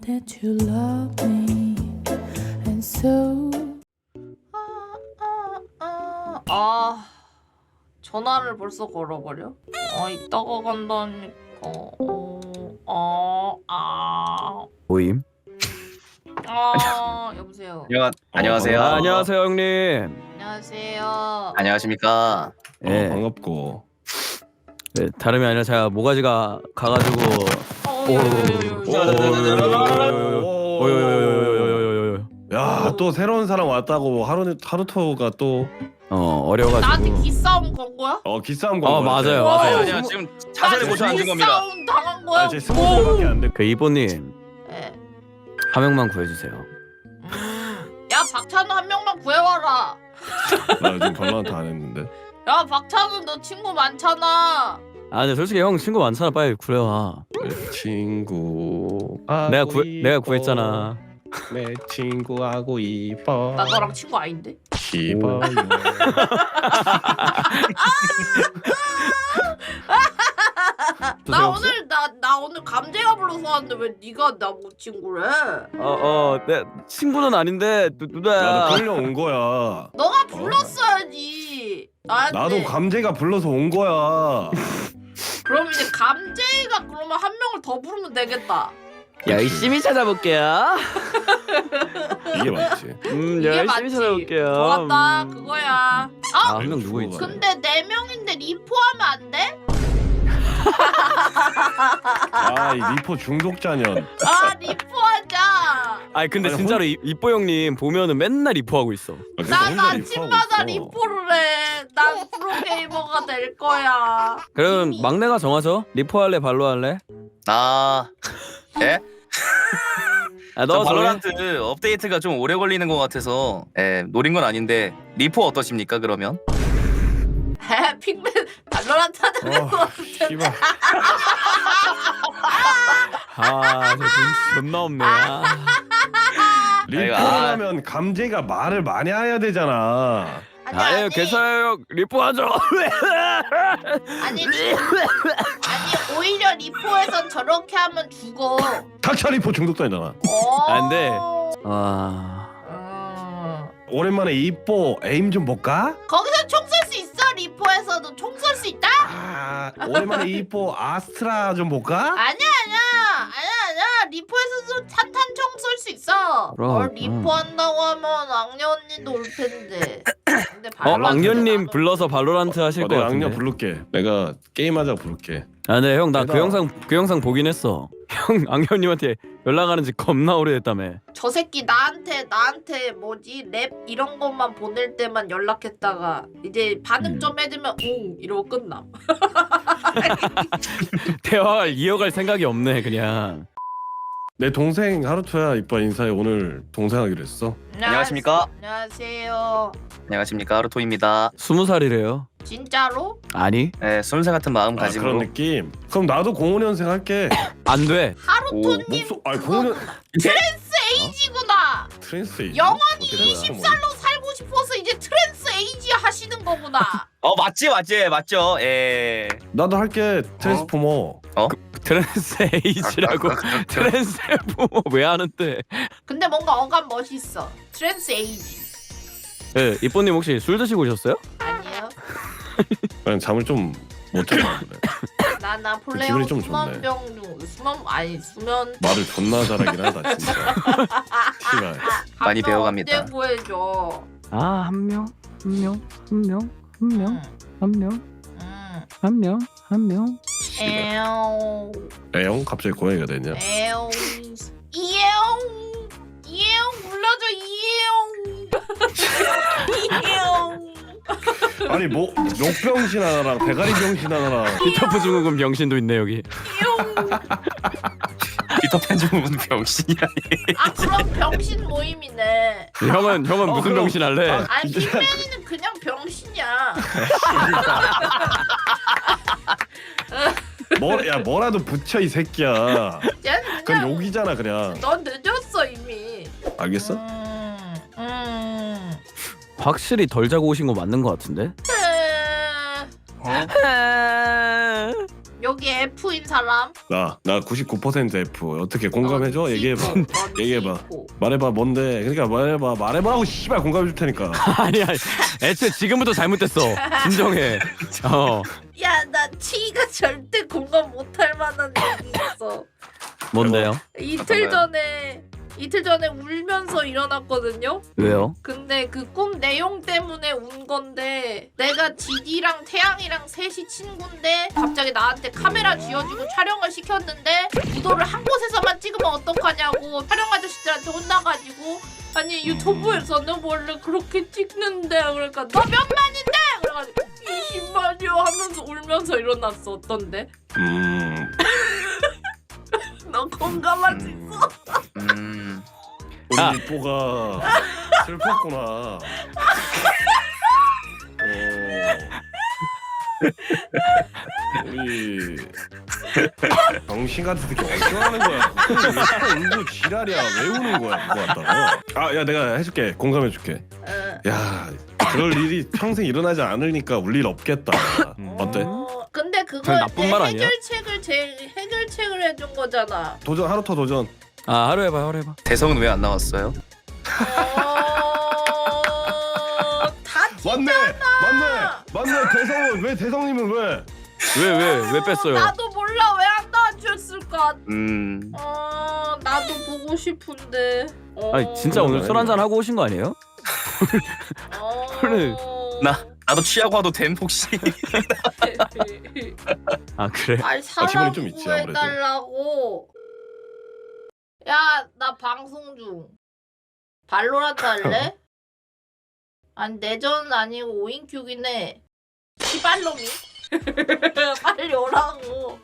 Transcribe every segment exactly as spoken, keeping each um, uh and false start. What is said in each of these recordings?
that you love me, and so. 아 전화를 벌써 걸어버려? 아 이따가 간다니까. 어, 아, 모임. 아 여보세요. 안녕, 안녕하세요. 아, 안녕하세요 형님. 안녕하세요. 안녕하십니까. 예. 어, 반갑고. 네, 다름이 아니라 제가 모가지가 가가지고. 야, 또 새로운 사람 왔다고 하루 하루토가 또 어 어려가지고. 나한테 기싸움 건 거야? 어 기싸움 건 어, 거야. 맞아요, 와, 맞아요. 아니야, 지금 자세를 고쳐 앉은 겁니다. 기싸움 당한 거야? 아, 제 스무 살밖에 안 돼. 그 이보님 네. 한 명만 구해주세요. 음. 야 박찬우 한 명만 구해와라. 나 요즘 발로란트 안 했는데. 야 박찬우 너 친구 많잖아. 아 근데 솔직히 형 친구 많잖아. 빨리 구해와. 내 친구. 내가 구 내가 구했잖아. 내 친구하고 이뻐. 나 너랑 친구 아닌데? 이뻐요. 나 오늘 나 나 오늘 감재가 불러서 왔는데 왜 네가 나 못 친구래? 어어 내 친구는 아닌데 누, 누나야. 나도 끌려온 거야. 너가 불렀어야지. 나한테. 나도 감재가 불러서 온 거야. 그럼 이제 감재가 그러면 한 명을 더 부르면 되겠다. 열심히 찾아볼게요. 이게 맞지. 음 이게 열심히 맞지. 찾아볼게요. 좋았다 그거야. 아 아 한 명 누구 있지? 근데 네 명인데 리포하면 안 돼? 아, 이 리포 중독자년. 아 리포하자. 아니 근데 아니, 진짜로 이- 이뽀 형님 보면은 맨날 리포하고 있어. 난 아침마다 리포를 해. 난 프로게이머가 될 거야. 그럼 이미. 막내가 정하죠. 리포 할래 발로 할래? 아, 예? 아, 저 너 발로란트 업데이트가 좀 오래 걸리는 것 같아서 예, 노린 건 아닌데 리포 어떠십니까 그러면? 에 핑맨 발로란트 하는 거 어, 씨발. 아, 저 눈치 존나 없네. 아. 리포하면 감재가 말을 많이 해야 되잖아. 아니 아유, 아니 괜찮아요. 리포 하죠. 아니 리- 아니 오히려 리포에선 저렇게 하면 죽어. 닥쳐 리포 중독자잖아. 어. 안 돼. 아. 음. 오랜만에 이뽀 에임 좀 볼까? 거기서 총 쏠 수 있어 리포에서도 총 쏠 수 있다? 아, 오랜만에 이뽀 아스트라 좀 볼까? 아니야 아니야 아니야 아니야 리포에서도 산탄총 쏠 수 있어. 그럼, 어, 리포 한다고 하면 악녀 언니도 올 텐데. 근데 어, 발로란트 악녀님 나도- 불러서 발로란트 하실 어, 것 내가 같은데. 악녀 부를게. 내가 게임하자 부를게. 아, 네, 형, 나 그 내가- 영상 그 영상 보긴 했어. 형, 악녀님한테 연락하는 지 겁나 오래됐다며. 저 새끼 나한테 나한테 뭐지 랩 이런 것만 보낼 때만 연락했다가 이제 반응 음. 좀 해주면 응 이러고 끝남. 대화를 이어갈 생각이 없네, 그냥. 내 동생 하루토야. 이뻐 인사해. 오늘 동생 하기로 했어. 안녕하십니까? 안녕하세요. 안녕하십니까 하루토입니다. 스무 살이래요. 진짜로? 아니, 예, 순세 같은 마음 아, 가짐으로 그런 느낌. 그럼 나도 공오 년생 할게. 안 돼. 하루토님 목소 아니 공오 년 트랜스 에이지구나. 트랜스 에이지? 영원히 어떻게 뭐야? 이십 살로 살고 싶어서 이제 트랜스 에이지 하시는 거구나. 어 맞지 맞지 맞죠. 예. 나도 할게. 트랜스포머. 트랜스 에이지라고. 트랜스포머 왜 하는데? 근데 뭔가 어감 멋있어. 트랜스 에이지. 예, 이뽀님 혹시 술 드시고 오셨어요? 아니요. 그냥 잠을 좀 못 자는데. 나나 그 플레이어 기분이 좀 수면병 중 수면 아니 수면 말을 존나 잘하긴 하다 진짜. 씨발. 많이 감정 배워갑니다. 언제 구해줘. 아, 한 명, 한 명, 한 명, 한 명, 응. 한 명, 응. 한 명, 한 명. 에옹 애용 갑자기 고양이가 됐냐? 에옹 이에옹 이에옹 불러줘 이에옹 이에옹. 아니 뭐 욕병신 하나랑 대가리 병신 하나랑 피터프 증후군 병신도 있네 여기. 피터팬 증후군 병신이라니. 아 그럼 병신 모임이네. 형은 형은 어, 무슨 그럼- 병신 할래? 아, 아니 진짜. 빅맨이는 그냥 병신이야. 뭐, 야 뭐라도 붙여 이 새끼야. 얘는 그건 그냥 욕이잖아 그냥. 넌 늦었어 이미. 알겠어? 음, 음. 확실히 덜 자고 오신 거 맞는 거 같은데? 에, 어? 여기 F인 사람 나 나 구십구 퍼센트 F. 어떻게 공감해줘? 넌 얘기해봐. C고, 넌 얘기해봐. C고. 말해봐 뭔데? 그러니까 말해봐 말해봐라고 씨발 공감해줄 테니까. 아니 아니 애초에 지금부터 잘못됐어. 진정해. 어 야, 나 T가 절대 공감 못할 만한 얘기 있어. 뭔데요? 이틀 전에 이틀 전에 울면서 일어났거든요. 왜요? 근데 그 꿈 내용 때문에 운 건데 내가 지디랑 태양이랑 셋이 친구인데 갑자기 나한테 카메라 쥐어주고 촬영을 시켰는데 구도를 한 곳에서만 찍으면 어떡하냐고 촬영 아저씨들한테 혼나가지고 아니 유튜브에서는 원래 그렇게 찍는데 그러니까 너 몇 만인데? 그래가지고 이십만이요 하면서 울면서 일어났어. 어떤데? 음. 너 공감할 수 음. 있어? 음. 우리 아. 뽀가 슬펐구나. 어. 우리 병신 같은 새끼 어떻게 하는 거야? 왜 울고 지랄이야? 왜 우는 거야? 그거 갖다가. 아, 야 내가 해줄게. 공감해줄게. 응. 야, 그럴 일이 평생 일어나지 않으니까 울 일 없겠다. 어때? 어, 근데 그거 그건 나쁜 말 아니야? 해결책을 제 해결책을 해준 거잖아. 도전 하루터 도전. 아 하루 해봐 하루 해봐. 대성은 왜 안 나왔어요? 어... 다 맞네, 맞네, 맞네. 대성은 왜 대성님은 왜? 왜 왜 왜 뺐어요? 나도 몰라 왜 안 나와주셨을까. 음. 어 나도 보고 싶은데. 어... 아니 진짜 오늘 술 한잔 하고 오신 거 아니에요? 어... 오늘 나 나도 취하고 와도 됨 혹시? 아 그래? 아니 기분이 사람 좀 있지, 아무래도. 구해달라고. 야 나 방송 중. 발로란트 할래? 아니 내전 아니고 오인큐긴 해. 시발놈이. 빨리 오라고.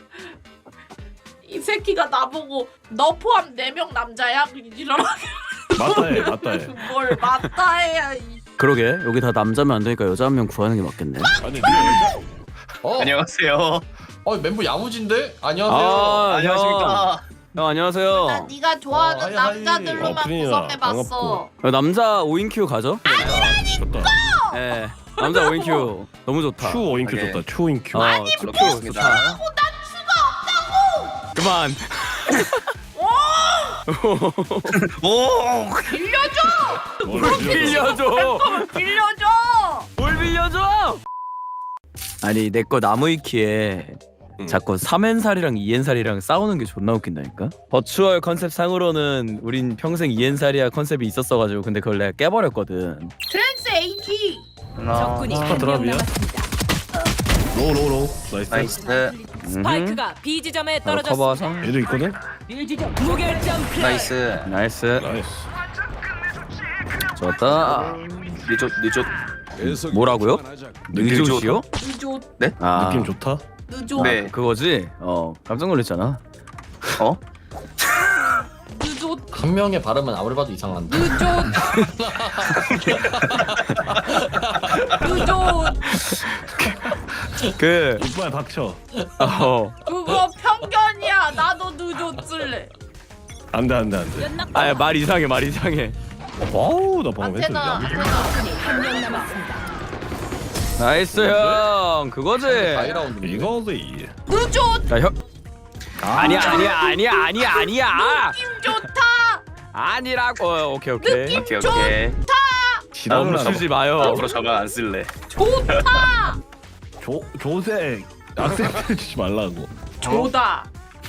이 새끼가 나보고 너 포함 네 명 남자야? 이러라. 맞다해, 맞다해. 뭘 맞다 해야. 이... 그러게 여기 다 남자면 안 되니까 여자 한 명 구하는 게 맞겠네. 아니, 네 여자. 어? 안녕하세요. 어 멤버 야무진데? 안녕하세요. 아 안녕하십니까. 형, 형 안녕하세요. 나 네가 좋아하는 어, 하이, 하이. 남자들로만 어, 프린이야. 구성해봤어. 어, 남자 오인큐 가죠? 좋다. 예. 남자 오인큐 너무 좋다. 추 오인큐 오케이. 좋다. 추 오인큐. 어, 큐 좋다. 그만. 오. 빌려줘! 뭘 빌려줘. 빌려줘! 뭘 빌려줘? 아니 내 거 나무위키에 음. 자꾸 삼엔살이랑 이엔살이랑 싸우는 게 존나 웃긴다니까? 버추얼 컨셉 상으로는 우린 평생 이엔살이야 컨셉이 있었어가지고 근데 그걸 내가 깨버렸거든. 트랜스 에이지! 적군이 아, 한 명 드랍이야? 남았습니다. 로우 로우 로우. 나이스. 나이스. 스파이크가 B 지점에 바로 떨어졌습니다. 커버하자. 얘도 있거든. 무결점 플레이. 나이스. 나이스. 나이스. 좋았다. 늦었 늦었. 뭐라고요? 느낌 느조시요? 늦어, 아 느낌 좋다. 늦어, 네. 그거지? 어 깜짝 놀랐잖아. 어? 늦어, 한 명의 발음은 아무리 봐도 이상한데. 늦어. 늦어. 그 이빨 닥쳐. 어. 그거 편견이야. 나도 늦었을래. 안돼 안돼 안돼. 아말 이상해 말 이상해. 와우 나 방금 했어. 아테나, 야, 아테나. 한 명 남았습니다. 나이스 형 그거지? 다이라운드. 이거지. 늦어. 자 형. 아니야 아니야 아니야 아니야 아니야. 느낌 좋다. 아니라고. 어, 오케이 오케이. 느낌 오케이 오케이. 지랄을 하나 멈추지 마요. 앞으로 저거 안 쓸래. 좋다. 조 조색 악센트 주지 말라고. 조다.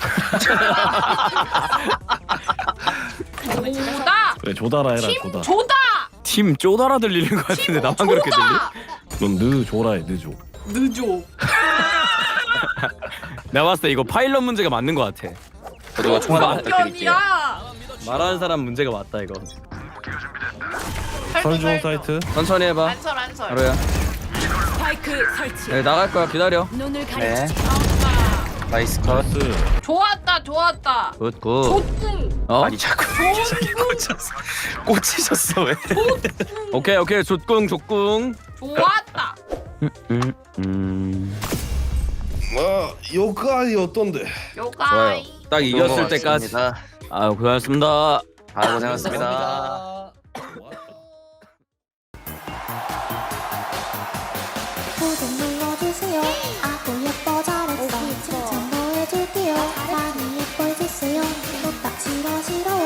조다. 그래 조다라 해라 팀 조다. 조다. 팀 쪼다라 들리는 것 같은데 나만 그렇게 들리? 넌느 조라해 느조. 늦어. 내가 봤을 때 이거 파일럿 문제가 맞는 것 같아. 저도 총알 하나 부탁드릴게요. 편견이야. 말하는 사람 문제가 맞다 이거. 설중 사이트. 천천히 해봐. 안설 안설. 하루야. 스파이크 설치. 네, 나갈 거야 기다려. 눈을 네. 가리지. 나이스 컷. 나이스. 좋았다 좋았다. 굿 굿. 좋군. 어? 아니 자꾸 저기 꽂혔어. 꽂히셨어 왜? 오케이 오케이 족궁 족궁. 좋았다. 음 음. 와 요가이 어떤데? 좋아요. 요가이. 딱 이겼을 때까지. 아 고생하셨습니다. 아 고생하셨습니다. 구독 눌러주세요. 아구 예뻐 잘했어. 싫어